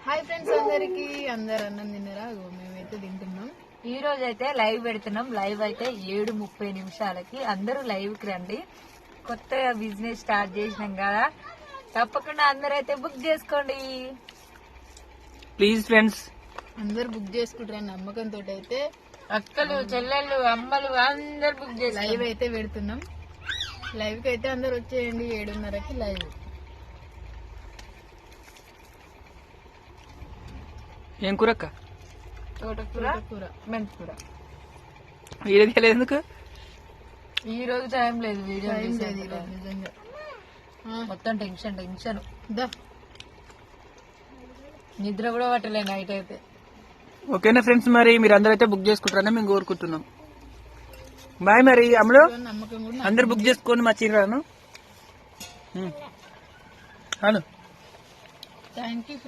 Hi friends అందరికి, అందరు అన్నం తిన్నారా? మేమైతే తింటున్నాం. ఈ రోజు అయితే లైవ్ పెడుతున్నాం. లైవ్ అయితే 7:30 అందరూ లైవ్ కి రండి. కొత్తగా బిజినెస్ స్టార్ట్ చేసినాం కదా, తప్పకుండా అందరైతే బుక్ చేసుకోండి ప్లీజ్ ఫ్రెండ్స్. అందరు బుక్ చేసుకుంటారని నమ్మకంతో అయితే అక్కలు, చెల్లెళ్ళు, అమ్మలు అందరు బుక్ చేసి లైవ్ అయితే పెడుతున్నాం. లైవ్ కి అయితే అందరు వచ్చేయండి. 7:30కి లైవ్. ఏం కూరక్క? తోటకూర, మెంతికూర. వీడియో తీయలేదు ఎందుకు? ఈ రోజు టైం లేదు, వీడియో టైం లేదు ఈరోజు నిజంగా. మొత్తం టెన్షన్ టెన్షన్. దా నిద్ర కూడా పట్టలే నైట్ అయితే. ఓకేనా ఫ్రెండ్స్, మరి మీరు అందరూ అయితే బుక్ చేసుకుంటారని మేము కోరుకుంటున్నాం. బాయ్. మరి అమ్ములు నమ్మకం కూడా అందరు బుక్ చేసుకోండి మా చీరాను. Thank you.